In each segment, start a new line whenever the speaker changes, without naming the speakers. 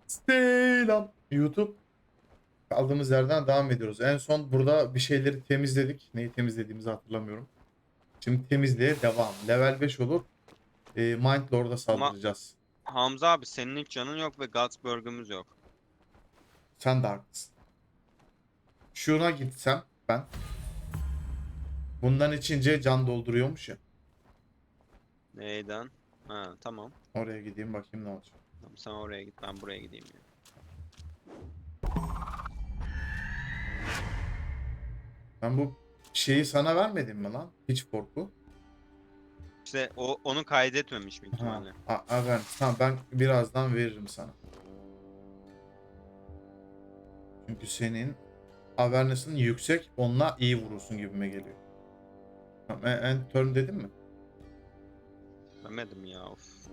Selam YouTube. Kaldığımız yerden devam ediyoruz. En son burada bir şeyleri temizledik. Neyi temizlediğimizi hatırlamıyorum. Şimdi temizliğe devam. Level 5 olup Mind Lord'a
Ama
saldıracağız.
Hamza abi senin hiç canın yok ve Gutsburg'umuz yok.
Sen de haklısın. Şuna gitsem ben. Bundan içince can dolduruyormuş ya.
Neyden? Ha tamam.
Oraya gideyim bakayım ne olacak.
Tamam sen oraya git ben buraya gideyim ya.
Ben bu şeyi sana vermedim mi lan? Hiç korku.
İşte onu kaydetmemiş büyük
Ha,
ihtimalle.
ver. Tamam ben birazdan veririm sana. Çünkü senin awareness'ın yüksek, onunla iyi vurursun gibime geliyor. Tamam, end turn dedim mi?
Demedim ya of.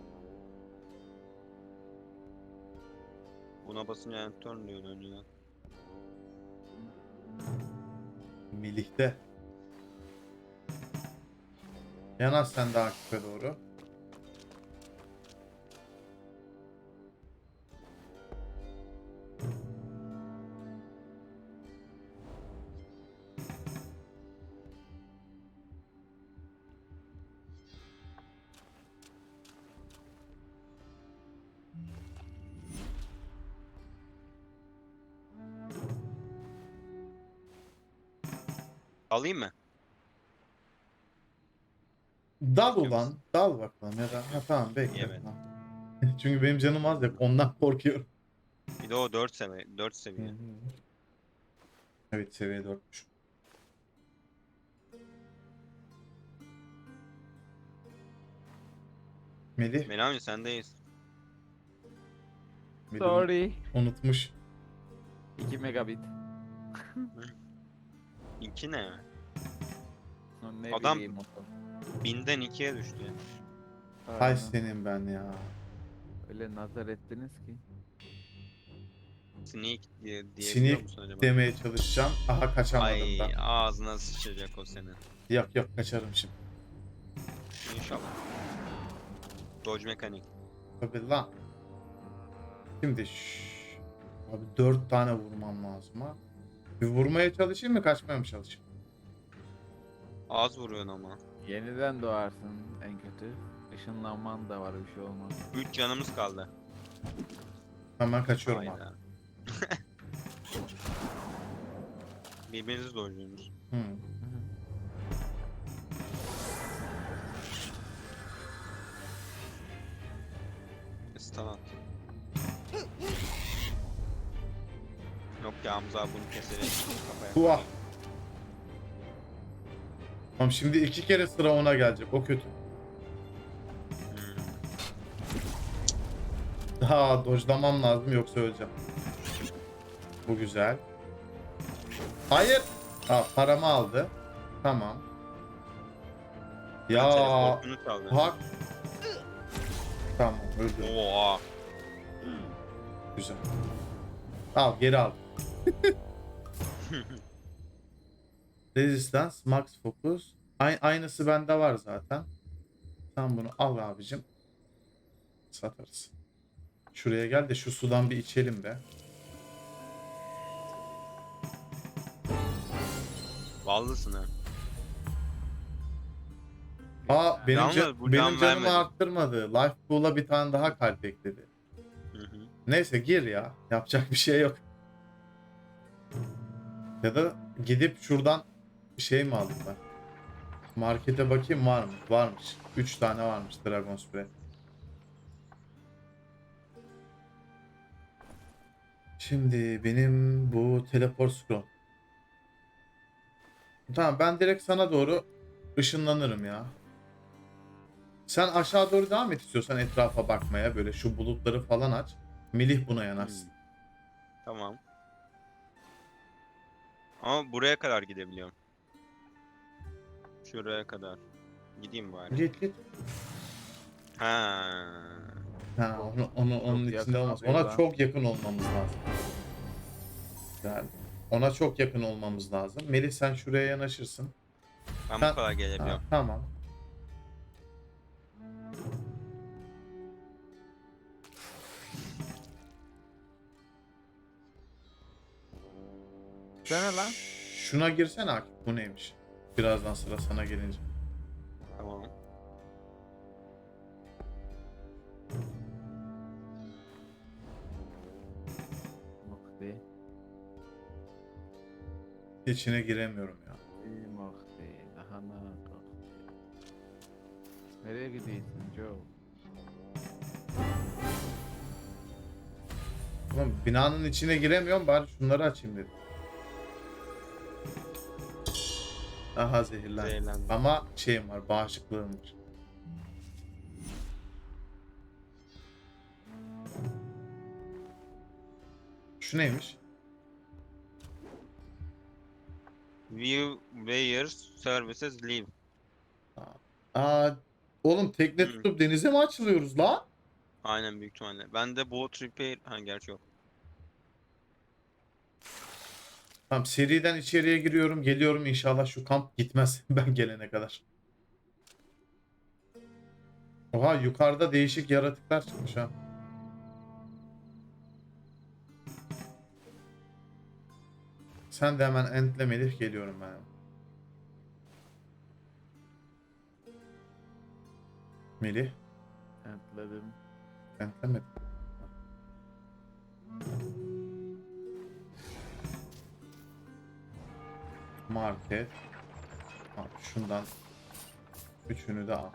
Buna basınca enter diyordu önceden.
Milih'te. Yanar sen de Akif'e doğru.
Alayım mı?
Dal
İstiyor musun?
ulan. Dal bakalım ya da.
Yok
Ha,
yok.
tamam bekle.
Yemedim.
Tamam. Çünkü benim canım az ya. Ondan korkuyorum.
Bir de o 4 seviye. 4
Hı
seviye.
hı. Evet seviye 4'müş. Melih.
Melami sendeyiz.
Melih
Sorry.
unutmuş.
2 megabit.
İki ne?
Ne
Adam-
bileyim oğlum.
Binden 2'ye düştü ya.
Hay
Aynen.
senin ben ya.
Öyle nazar ettiniz ki.
Sneak diyebiliyor
Sinik
musun acaba?
demeye çalışacağım. Aha kaçamadım
Ay
da.
ağzına sıçacak o senin.
Yok kaçarım şimdi.
İnşallah. Dodge mekanik.
Tabii lan. Şimdi abi 4 tane vurmam lazım ha. Bir vurmaya çalışayım mı kaçmaya mı çalışayım?
Az vuruyorsun ama.
Yeniden doğarsın en kötü. Işınlanman da var, bir şey olmaz.
3 canımız kaldı.
Hemen kaçıyorum abi.
Hayda. Birbirinizi dojluyorsunuz.
Hı.
Stun at. Yok ya Hamza abi bunu keserek kafaya.
Tuah. Tamam şimdi 2 kere sıra ona gelecek. O kötü.
Hmm.
Daha dojlamam lazım yoksa öleceğim. Bu güzel. Hayır. Paramı aldı. Tamam. Ya
Teleportunu çaldı.
hak. Tamam öldü.
Oha.
Güzel. Al geri al. Resistance, Max Focus. Aynısı bende var zaten. Sen bunu al abicim. Satarız. Şuraya gel de şu sudan bir içelim be.
Vallısın ha.
Benim
Yalnız bu
benim
can
canımı
vermedi.
arttırmadı. Life Pool'a bir tane daha kalp ekledi.
Hı hı.
Neyse gir ya. Yapacak bir şey yok. Ya da gidip şuradan bir şey mi alayım ben? Markete bakayım var mı? Varmış. 3 tane varmış Dragon Spray. Şimdi benim bu teleport scroll. Tamam ben direkt sana doğru ışınlanırım ya. Sen aşağı doğru devam et istiyorsan etrafa bakmaya. Böyle şu bulutları falan aç. Melih buna yanarsın.
Tamam. Ama buraya kadar gidebiliyorum. Şuraya kadar. Gideyim bari.
Git.
Ha.
Ha, onun
Çok
içinde
yakın
olmaz.
oluyor
Ona
lan.
çok yakın olmamız lazım. Yani ona çok yakın olmamız lazım. Melih sen şuraya yanaşırsın.
Ben
Sen-
bu kadar
Ha,
gelebiliyorum.
tamam.
Sana lan.
Şuna girsene Akif. Bu neymiş? Birazdan sıra sana gelince.
Tamam.
Muhti.
İçine giremiyorum ya.
Muhti. Daha ne kalktı? Nereye gidiyorsun Joe?
Oğlum binanın içine giremiyorum, bari şunları açayım dedim. Aha zehirlendim.
Zehirlendim.
Ama şeyim var, bağışıklığım var. Şu neymiş?
View where services leave.
Aa, oğlum tekne
Hı.
tutup denize mi açılıyoruz la?
Aynen büyük ihtimalle. Ben de boat repair... Ha gerçi yok.
Tamam, seriden içeriye giriyorum, geliyorum, inşallah şu kamp gitmez ben gelene kadar. Oha, yukarıda değişik yaratıklar çıkmış ha. Sen de hemen entle Melih, geliyorum ben. Melih,
Atladım.
entlemedim. Market. Tamam, şundan üçünü de al.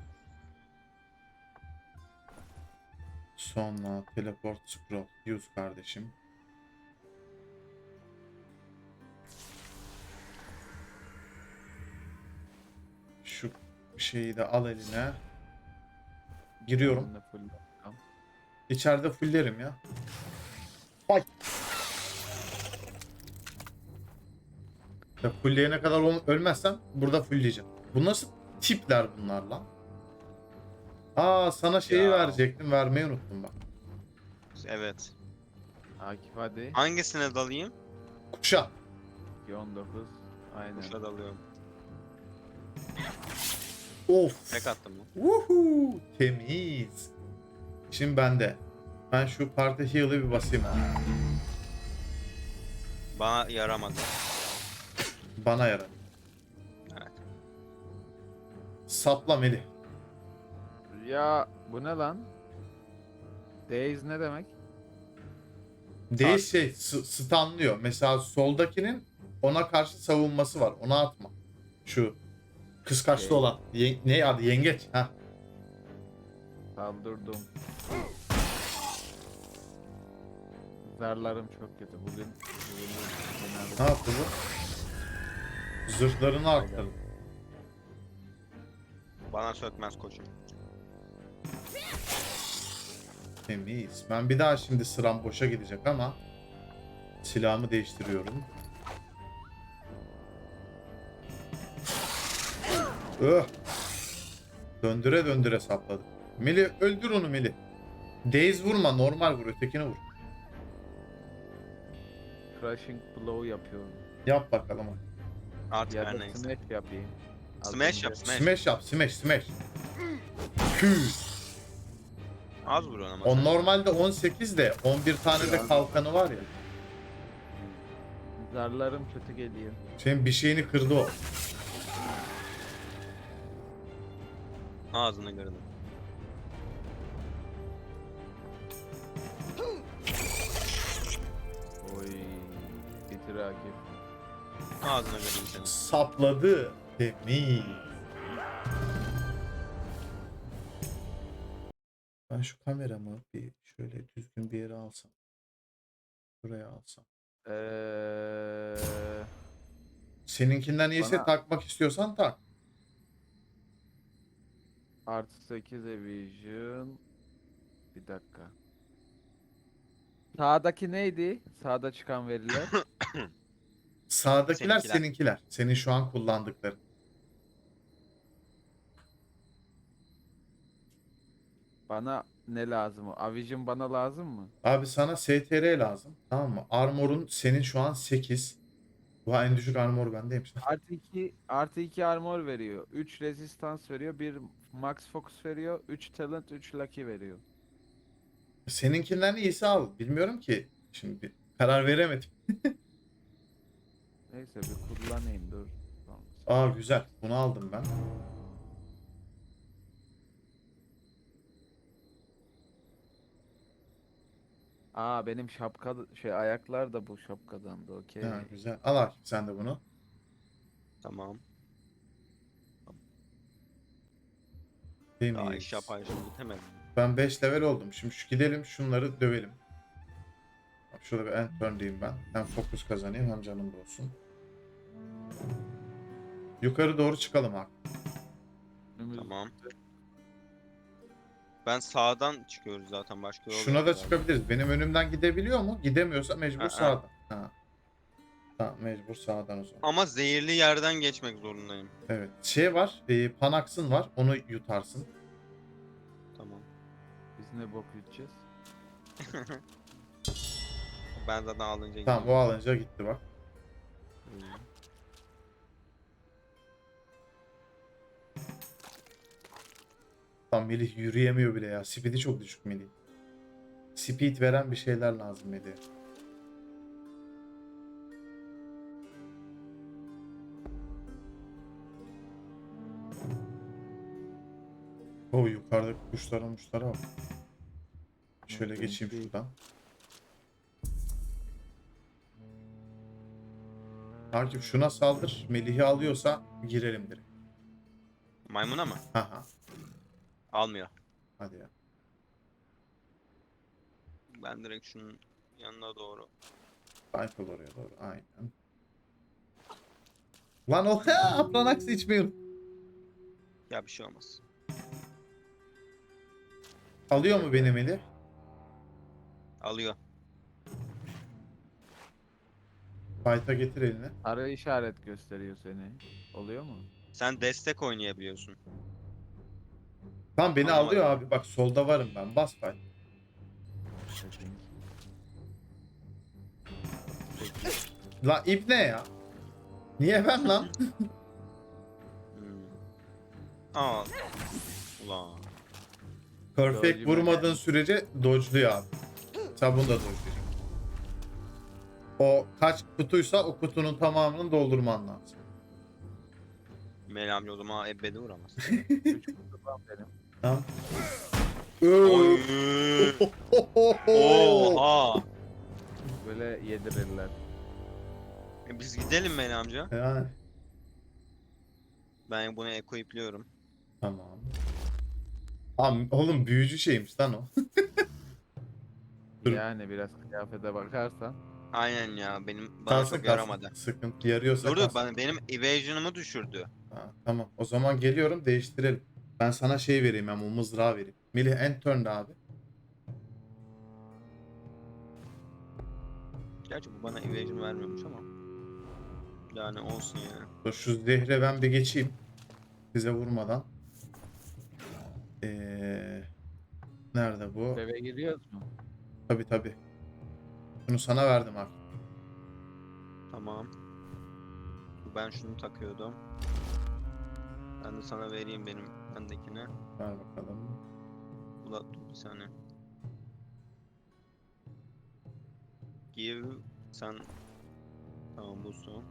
Sonra teleport scroll use kardeşim. Şu şeyi de al eline. Giriyorum.
Ben de full bakalım.
İçeride fullerim ya. Vay. Ya fullleyene kadar ölmezsem burada fullleyeceğim. Bu nasıl tipler bunlar lan? Aa, sana şeyi
Ya.
verecektim, vermeyi unuttum bak.
Evet.
Akif hadi.
Hangisine dalayım?
Kuşa.
19. Aynen.
Kuşla dalıyorum.
Of.
Tek attım mı?
Woohoo. Temiz. Şimdi bende. Ben şu parti heal'ı bir basayım.
Bana yaramadı.
Bana yarar.
Evet.
Sapla Melih.
Ya bu ne lan? Days ne demek?
Değil şey, stunlıyor. Mesela soldakinin ona karşı savunması var. Ona atma. Şu kıskaçlı
Şey.
olan. Ne adı? Yengeç. Heh.
Saldırdım. Zarlarım çok kötü. Bugün
Ne yaptı bu? Zırhlarını arttırdı.
Bana sökmez koçum.
Temiz. Ben bir daha şimdi sıram boşa gidecek ama silahımı değiştiriyorum. Öh. Döndüre döndüre sapladı. Melih, öldür onu Melih. Daze vurma, normal vur, ötekine vur.
crushing blow yapıyorum.
Yap bakalım.
Artık
Ya
her
da
neyse.
smash yapayım. Az
Smash
önce-
yap smash.
Smash yap, smash, smash. Kü.
Az vuruyorsun ama
O
sen.
normalde 18 de 11 tane de kalkanı var ya.
Zarlarım kötü geliyor.
Senin bir şeyini kırdı o.
Ağzını kırdım.
Oy. Bitir Akif.
Ağzını kırdım senin.
Sapladı. Temiz. Ben şu kameramı bir şöyle düzgün bir yere alsam. Buraya alsam. Seninkinden iyiyse
Bana-
takmak istiyorsan tak.
Artı 8 evasion. Bir dakika. Sağdaki neydi? Sağda çıkan veriler.
Sağdakiler
Seninkiler.
seninkiler. Senin şu an kullandıkların.
Bana ne lazım? Avision bana lazım mı?
Abi sana STR lazım. Tamam mı? Armor'un senin şu an 8. Bu en düşük armor bendeymiş.
Artı 2 armor veriyor. 3 resistance veriyor. 1 max focus veriyor. 3 talent, 3 lucky veriyor.
Seninkinden iyisi al. Bilmiyorum ki. Şimdi karar veremedim.
Neyse bir kullanayım dur. Tamam.
Aa güzel. Bunu aldım ben.
Aa benim şapka şey ayaklar da bu şapkadan da okey.
Ha, güzel. Al Akif sen de bunu.
Tamam. Daha iş
Temiz.
yaparken bitemedim.
Ben 5 level oldum. Şimdi gidelim şunları dövelim. Bak şurada bir end turn diyeyim ben. Hem fokus kazanayım hem canım da olsun. Yukarı doğru çıkalım abi.
Önümüz-
Tamam. Ben sağdan çıkıyoruz zaten, başka yol
Şuna
yok
da
herhalde.
çıkabiliriz. Benim önümden gidebiliyor mu? Gidemiyorsa mecbur
Aa.
sağdan. Ha. Tamam mecbur sağdan o zaman.
Ama zehirli yerden geçmek zorundayım.
Evet. Şey var. Panax'ın var. Onu yutarsın.
Tamam.
Biz ne bok yutacağız?
Ben zaten alınca
Tamam o
gidiyorum.
alınca gitti bak.
Hmm.
Tam Melih yürüyemiyor bile ya. Speed'i çok düşük Melih. Speed veren bir şeyler lazım Melih. O yukarıdaki kuşlara bak. Şöyle
Evet,
geçeyim
benimki-
şuradan. Takip şuna saldır. Melih'i alıyorsa girelim direkt.
Maymuna mı?
Haha.
Almıyor.
Hadi ya.
Ben direkt şunun yanına doğru.
Cycle oraya doğru. Aynen. Lan o Aplanax içmiyorum.
Ya bir şey olmaz.
Alıyor mu benim Melih?
Alıyor.
Fight'a getir elini.
Sarı işaret gösteriyor seni. Oluyor mu?
Sen destek oynayabiliyorsun.
Tam beni
Anlamadım.
alıyor abi. Bak solda varım ben. Bas fight.
Peki.
La ip ne ya? Niye ben lan?
Hmm. Aa. Ulan.
Perfect
Dodge'u
vurmadığın sürece dodge'luyor abi. Sen bunu da dodge'layacaksın. O kaç kutuysa o kutunun tamamını doldurman lazım.
Mel amca o zaman ebedi vuramaz.
3 kutu var benim.
Tamam.
Oy. Oha.
Böyle yedirirler.
Biz gidelim Mel amca.
Yani,
Ben bunu equipliyorum.
tamam. Abi, oğlum büyücü şeymiş lan o. Dur.
Yani biraz kıyafete bakarsan.
Aynen ya, benim bana
Kalsın
çok
kalsın.
yaramadı.
Sıkıntı yarıyorsa
Dur
kalsın.
benim evasion'ımı düşürdü.
Ha, tamam. O zaman geliyorum değiştirelim. Ben sana şey vereyim hem o mızrağı vereyim. Melih end turn'da abi.
Gerçi bu bana evasion vermiyormuş ama. Yani olsun yani.
Dur, şu zehre ben bir geçeyim. Size vurmadan. Nerede bu?
Eve giriyoruz mu?
Tabi tabi. Bunu sana verdim abi.
Tamam. Ben şunu takıyordum. Ben de sana vereyim benim bendekine.
Ver bakalım.
Dur bir saniye. Give sen, tamam bu son.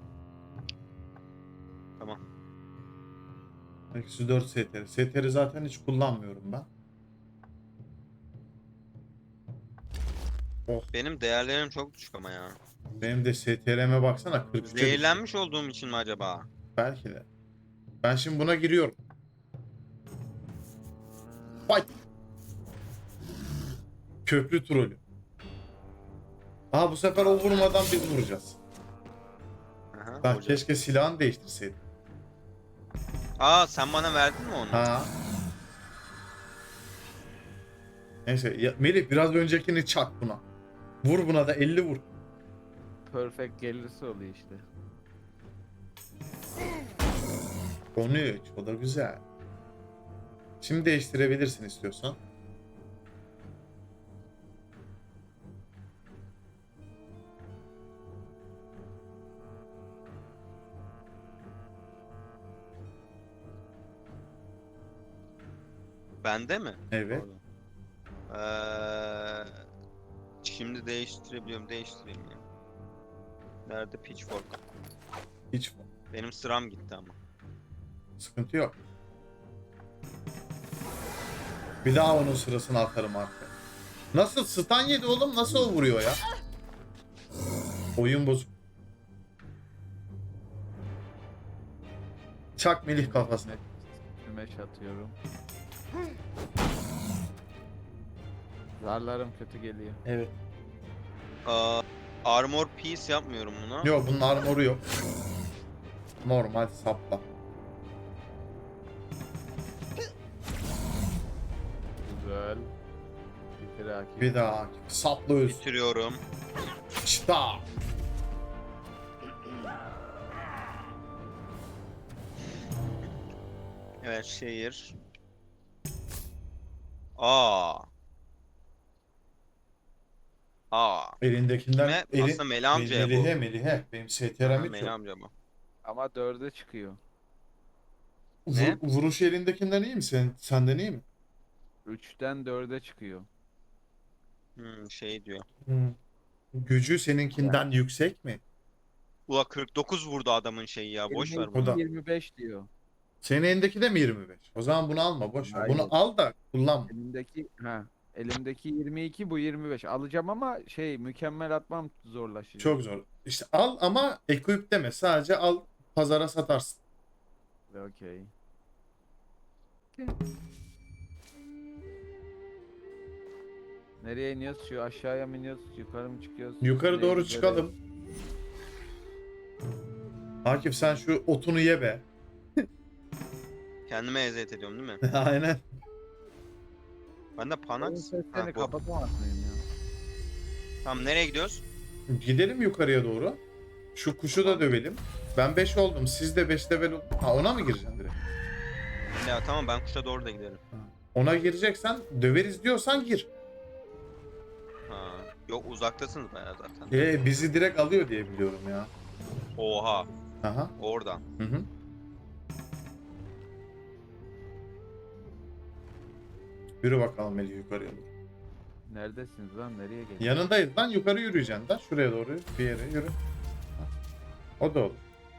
Tamam.
Eksi 4 STR. STR'i zaten hiç kullanmıyorum ben.
Benim değerlerim çok düşük ama ya.
Benim de STR'me baksana 43'e düştü.
Zehirlenmiş olduğum için mi acaba?
Belki de. Ben şimdi buna giriyorum. Fight. Köprü trolü. Aha bu sefer o vurmadan biz vuracağız.
Aha,
Ben
hocam.
keşke silahını değiştirseydim.
Aa, sen bana verdin mi onu?
Ha. Neyse ya, Melih biraz öncekini çak buna. Vur buna da 50 vur.
Perfect gelirse oluyor işte.
13 o da güzel. Şimdi değiştirebilirsin istiyorsan.
Bende mi?
Evet.
Pardon. Şimdi değiştirebiliyorum. Değiştireyim ya. Nerede pitchfork?
Hiç
Benim sıram gitti ama.
sıkıntı yok. Bir daha onun sırasını atarım arkaya. Nasıl stun yedi oğlum? Nasıl o vuruyor ya? Oyun bozuk. Çak Melih kafasına.
Smash atıyorum. Zarlarım kötü geliyor.
Evet.
Armor piece yapmıyorum buna.
Yok bunun armoru yok. Normal sapla.
Güzel. Bitir Akif.
Bir daha sapla ölsün.
Bitiriyorum.
İşte.
Evet şehir. Aa.
Elindekinden
Kime? Aslında Meli amcaya bu.
Melih'e. Benim
Aha,
STR'm hiç
Meli
yok.
amca bu.
Ama 4'e çıkıyor.
Ne?
Vuruş elindekinden iyi mi? Senden iyi mi?
3'ten 4'e çıkıyor.
Şey diyor.
Gücü seninkinden yüksek mi?
Ula 49 vurdu adamın şeyi ya. Boş ver
22,
Bu
bunu.
da.
25 diyor.
Senin elindeki de mi 25? O zaman bunu alma boş ver.
Hayır.
Bunu al da kullanma.
Elimdeki 22, bu 25. Alacağım ama mükemmel atmam zorlaşacak.
Çok zor. İşte al ama equip deme. Sadece al pazara satarsın.
Okey. Nereye iniyoruz? Şu aşağıya mı iniyoruz? Yukarı mı çıkıyoruz?
Yukarı
Nereye
doğru
gidelim?
çıkalım. Akif sen şu otunu ye be.
Kendime eziyet ediyorum değil mi?
Aynen.
Ben de
Oyun
Panax.
seslerini kapatamaz mıyım ya?
Tamam nereye gidiyoruz?
Gidelim yukarıya doğru. Şu kuşu da dövelim. Ben 5 oldum. Siz de 5 level oldun. Ha ona mı gireceksin direkt?
Ya tamam ben kuşa doğru da gidelim.
Ona gireceksen döveriz diyorsan gir.
Ha. Yok uzaktasınız bayağı zaten.
Bizi direkt alıyor diye biliyorum ya.
Oha.
Aha.
Oradan.
Hı hı. Yürü bakalım Melih yukarıya doğru.
Neredesiniz lan? Nereye geliyorsunuz?
Yanındayız lan yukarı yürüyeceksin da şuraya doğru bir yere yürü. Ha. O da olur.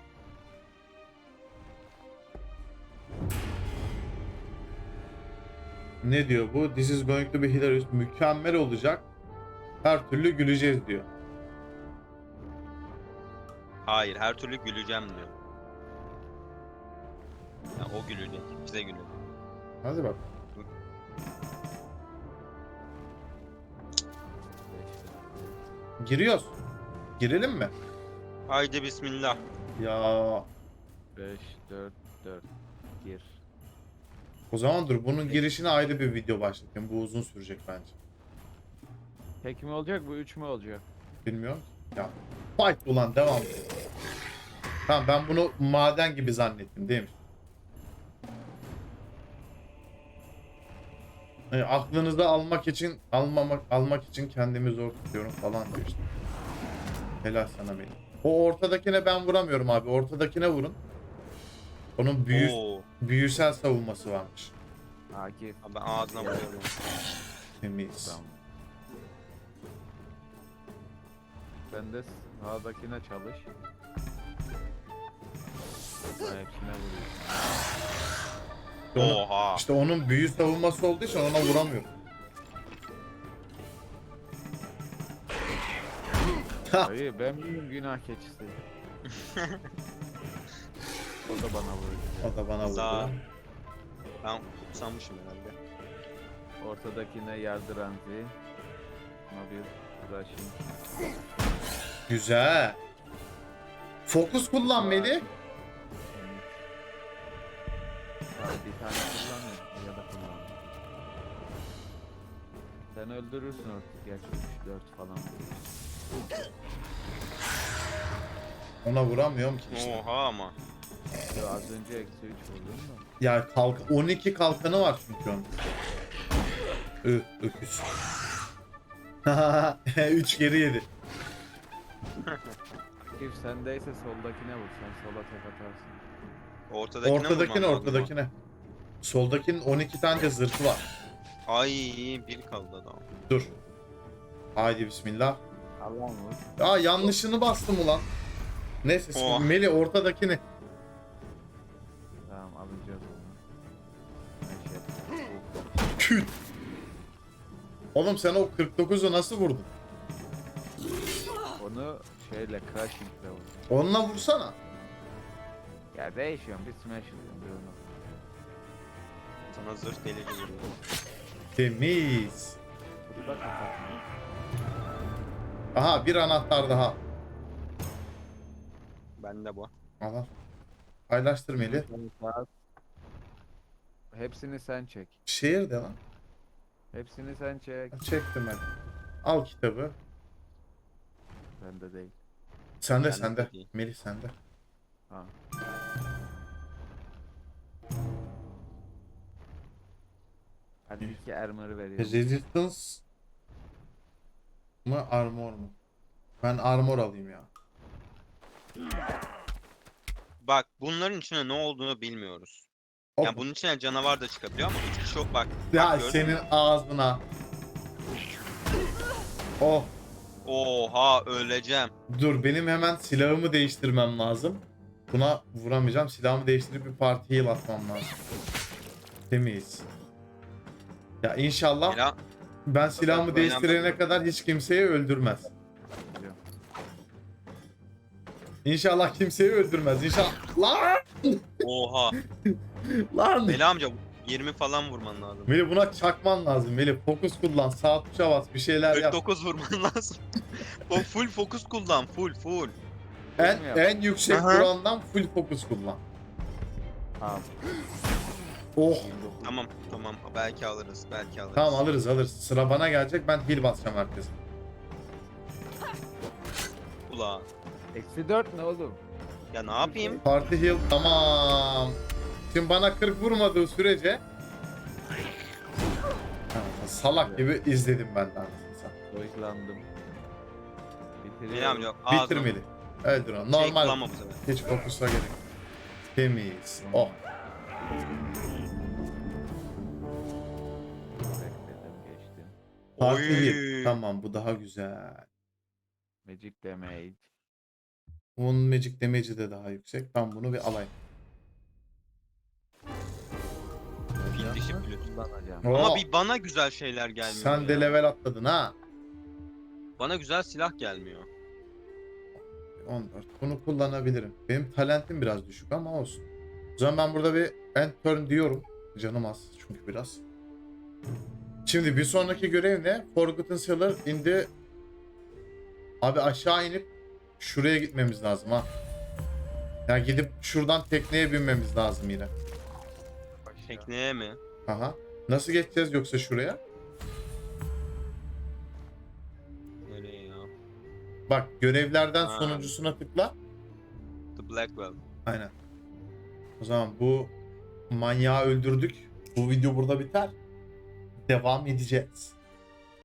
Ne diyor bu? This is going to be hilarious. Mükemmel olacak. Her türlü güleceğiz diyor.
Hayır her türlü güleceğim diyor. Ya o gülecek. Bize gülecek.
Hadi bak. Giriyoruz. Girelim mi?
Haydi bismillah.
Ya
5, 4, 4. Gir.
o zaman dur bunun girişine ayrı bir video başlatayım. Bu uzun sürecek bence.
Tek mi olacak bu? 3 mü olacak?
Bilmiyorum. Ya fight ulan devam. Tamam ben bunu maden gibi zannettim değil mi? Aklınızda almak için kendimi zor tutuyorum falan diyor işte. Helal sana benim. O ortadakine ben vuramıyorum abi. Ortadakine vurun. Onun
Oo.
büyüsel savunması varmış.
Akif.
Abi ben ağzına vuruyorum.
Temiz.
Tamam. Sen de sağdakine çalış. Ben hepsine vuruyorum.
Oha.
İşte onun büyü savunması olduğu için ona vuramıyorum.
Hayır ben miyim günah keçisi? O da bana vuruyor.
O da bana
Sağ.
vurdu.
Ben kutsanmışım herhalde.
Ortadakine yardıranzi. Ama bir rushing.
Güzel. Fokus kullan Melih.
Abi bir tane kullanıyorum ya da kullanmıyorum. Sen öldürürsün artık. Gerçi 3-4 falan vuruyor.
Ona vuramıyorum ki işte.
Oha ama.
Ya az önce eksi 3 vurdum da.
Ya 12 kalkanı var çünkü onun. Öküz. 3 geri yedi.
Akif sendeyse soldakine vur. Sen sola tek atarsın.
Ortadakine vurmam lazım
Ortadakine. Soldakinin 12 tane de zırhı var.
ama. Ay bir kaldı adam.
Dur. Haydi bismillah.
Allah'ım vur.
Ya yanlışını bastım ulan. Neyse
Oh.
Melih ortadakini.
Tamam alacağız onu. Ben şey yapayım.
Küt. Oğlum sen o 49'u nasıl vurdun?
Onu şeyle crashing'le vur.
Onunla vursana.
Ya değişiyorum. Bir smash alıyorum. Bir onu.
Sana zırh delici vuruyor.
Temiz.
Bu da kapatmıyor.
Aha bir anahtar daha.
Bende bu.
Al. Paylaştır Melih.
Hepsini sen çek.
Şehir de lan.
Hepsini sen çek.
Çektim ben. Al kitabı.
Bende değil.
Sende
Ben de
sende.
değil.
Melih sende.
Ha. Hadi iki armor'ı veriyorum.
Resistance mı armor mu? Ben armor alayım ya.
Bak bunların içine ne olduğunu bilmiyoruz.
Hop.
Yani bunun içine canavar da çıkabiliyor ama hiçbir şey yok bak.
Ya
Bak, gördün
senin
mü?
ağzına. Oh
Oha öleceğim.
dur benim hemen silahımı değiştirmem lazım. Buna vuramayacağım. Silahımı değiştirip bir parti heal atmam lazım. Temiz. Ya inşallah
Ela
ben silahımı
Önemli.
değiştirene kadar hiç kimseyi öldürmez.
Biliyorum.
İnşallah kimseyi öldürmez. İnşallah. Lan!
oha.
Lan!
Bela amca 20 falan vurman lazım.
Melih buna çakman lazım. Melih fokus kullan. Sağ tuşa bas. Bir şeyler yap.
49 vurman lazım. O full fokus kullan full.
En yüksek
Aha.
vurandan full fokus kullan.
Tamam.
Oh.
29.
Tamam belki alırız.
Tamam alırız. Sıra bana gelecek. Ben heal basacağım herkese.
Ula.
Eksi 4 ne oğlum?
Ya ne yapayım?
Parti heal tamam. Şimdi bana 40 vurmadığı sürece Ha, salak gibi izledim ben de anasını satayım.
Dojlandım.
Bela amca
Bitir
ağzına
Melih. Öldür onu.
şey
Normal.
kullanma bu sefer.
Hiç fokusla gerek yok. Temiz. Oh.
Bekledim geçtim.
Parti
Oy.
heal. Tamam bu daha güzel.
Magic damage.
Bunun magic damage'i de daha yüksek. Ben bunu bir alayım.
Fil dişi flüt.
Kullanacağım.
Oo,
Ama bir bana güzel şeyler gelmiyor.
sen de
ya.
level atladın ha.
Bana güzel silah gelmiyor.
14. Bunu kullanabilirim. Benim talentim biraz düşük ama olsun. O zaman ben burada bir end turn diyorum. Canım az çünkü biraz. Şimdi bir sonraki görev ne? Forgotten Cellar in the... Abi aşağı inip şuraya gitmemiz lazım ha. Yani gidip şuradan tekneye binmemiz lazım yine.
Tekneye mi?
Aha. Nasıl geçeceğiz yoksa şuraya?
Nereye ya?
Bak görevlerden
Ha.
sonuncusuna tıkla.
The Blackwell.
Aynen. O zaman bu manyağı öldürdük. Bu video burada biter. Devam edeceğiz.